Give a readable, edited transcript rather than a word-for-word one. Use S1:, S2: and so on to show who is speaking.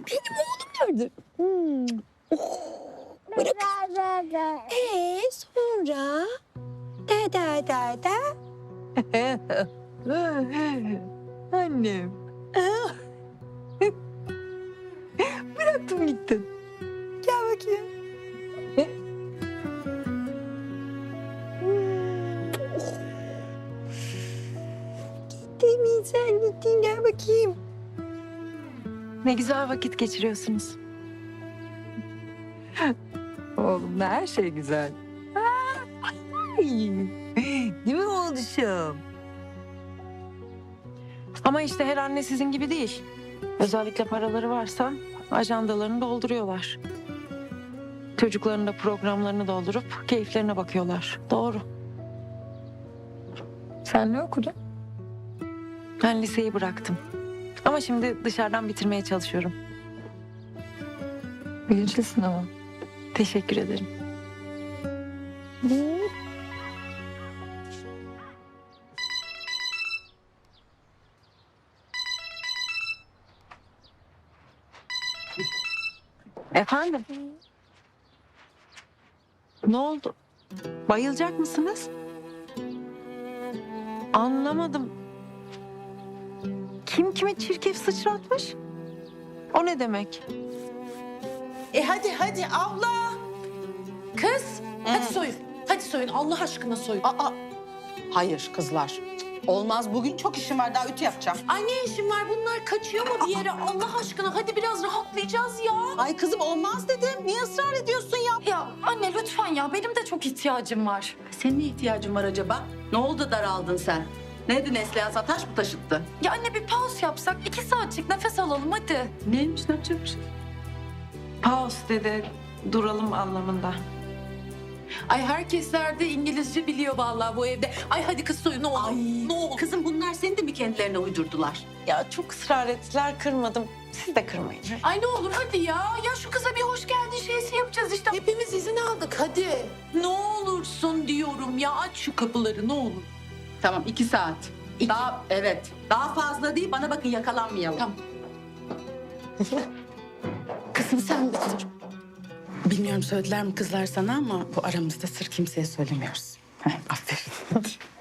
S1: Benim oğlum nerede? Oh, bırak. Sonra? Da. Annem. Bıraktım gittin. Gel bakayım. Gittin sen gittin gel bakayım.
S2: Ne güzel vakit geçiriyorsunuz.
S1: Oğlumla her şey güzel. Ay, değil mi oğluşum?
S2: Ama işte her anne sizin gibi değil. Özellikle paraları varsa ajandalarını dolduruyorlar. Çocukların da programlarını doldurup keyiflerine bakıyorlar. Doğru.
S1: Sen ne okudun?
S2: Ben liseyi bıraktım. Ama şimdi dışarıdan bitirmeye çalışıyorum.
S1: Bilinçlisin ama.
S2: Teşekkür ederim. Efendim? Ne oldu? Bayılacak mısınız? Anlamadım. Kim kime çirkef sıçratmış? O ne demek?
S3: Hadi abla. Kız hadi soyun. Hadi soyun Allah aşkına soyun.
S4: Hayır kızlar. Olmaz, bugün çok işim var, daha ütü yapacağım.
S3: Ay ne işin var bunlar kaçıyor mu bir yere Allah aşkına hadi biraz rahatlayacağız ya.
S4: Ay kızım olmaz dedim. Niye ısrar ediyorsun ya?
S5: Ya anne lütfen ya benim de çok ihtiyacım var.
S4: Senin ne ihtiyacın var acaba? Ne oldu daraldın sen? Neydi Neslihan taş mı taşıttı?
S5: Ya anne bir pause yapsak 2 saatlik nefes alalım hadi.
S4: Neymiş, ne yapacakmış?
S2: Pause dedi, duralım anlamında.
S3: Ay herkesler de İngilizce biliyor vallahi bu evde. Ay hadi kız soyun ne olur.
S4: Ay
S3: Ne olur.
S4: kızım bunlar seni de mi kendilerine uydurdular?
S2: Ya çok ısrar ettiler, kırmadım. Siz de kırmayın.
S3: Ay ne olur hadi ya. Ya şu kıza bir hoş geldin şeysi yapacağız işte. Hepimiz izin aldık hadi. Ne olursun diyorum ya aç şu kapıları ne olur.
S4: Tamam 2 saat. Daha evet. Daha fazla değil, bana bakın yakalanmayalım.
S3: Tamam.
S4: Kızım sen bitir. Bilmiyorum söylediler mi kızlar sana ama bu aramızda sır kimseye söylemiyoruz. Heh, aferin.